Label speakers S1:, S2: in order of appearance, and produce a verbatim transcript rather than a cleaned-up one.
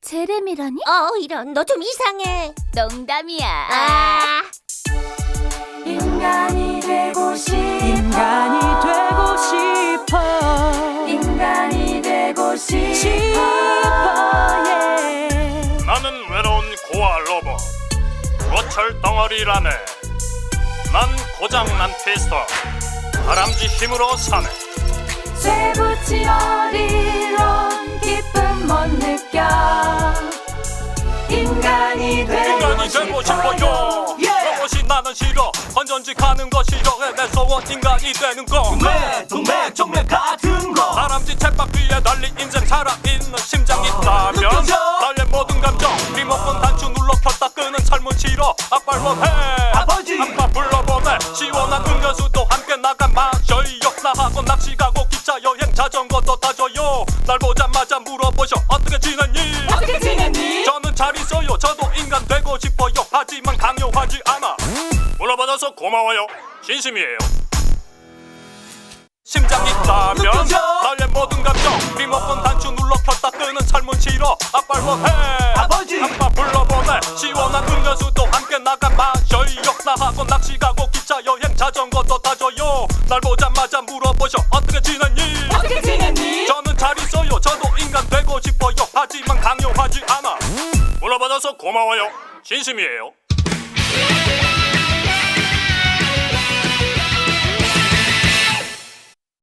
S1: 제레미라니?
S2: 어, 이런, 너 좀 이상해.
S1: 농담이야.
S2: 아,
S3: 인간이 되고 싶어.
S4: 인간이 되고 싶어.
S3: 인간이 되고 싶어.
S4: 싶어 예.
S5: 나는 외로운 고아 로봇 고철 덩어리라네. 난 고장난 피스톤 다람쥐 힘으로 사네.
S3: 쇠붙이어리론 기쁨 못 느껴. 인간이 되고
S5: 인간이 되고 싶어요. 로봇이 나는 싫어. 건전지 가는 거 싫어. 내 소원 인간이 되는 거.
S6: 동맥 동맥 정맥 같은 거.
S5: 다람쥐 챗밥 위에 달린 인생 살아있는 심장 있다면
S6: 느껴져.
S5: 나의 모든 감정 리모컨 단추 눌러 켰다 끄는 삶은 싫어. 아빠를 원해.
S6: 아버지.
S5: 아빠 불러보내. 시원한 음료수도 함께 나가 마셔요. 나하고 낚시 가고 기차 여행 자전거도 타줘요. 날 보자마자 물어보셔 어떻게 지냈니?
S6: 어떻게 지냈니?
S5: 저는 잘 있어요. 저도 인간 되고 싶어요. 하지만 강요하지 않아. 물어봐줘서 고마워요. 진심이에요. 심장 있다면
S6: 느껴져.
S5: 나의 모든 감정 리모컨 단추 눌러 켰다 끄는 삶은 싫어. 아빠를 원해.
S6: 아버지.
S5: 아빠 불러보내. 시원한 음료수도 함께 나가 마셔요. 나하고 낚시 가고 기차 여행 자전거도 타줘요. 날 보자마자 물어보셔 어떻게 지냈니?
S6: 어떻게 지냈니?
S5: 저는 잘 있어요. 저도 인간 되고 싶어요. 하지만 강요하지 않아. 물어봐줘서 고마워요. 진심이에요.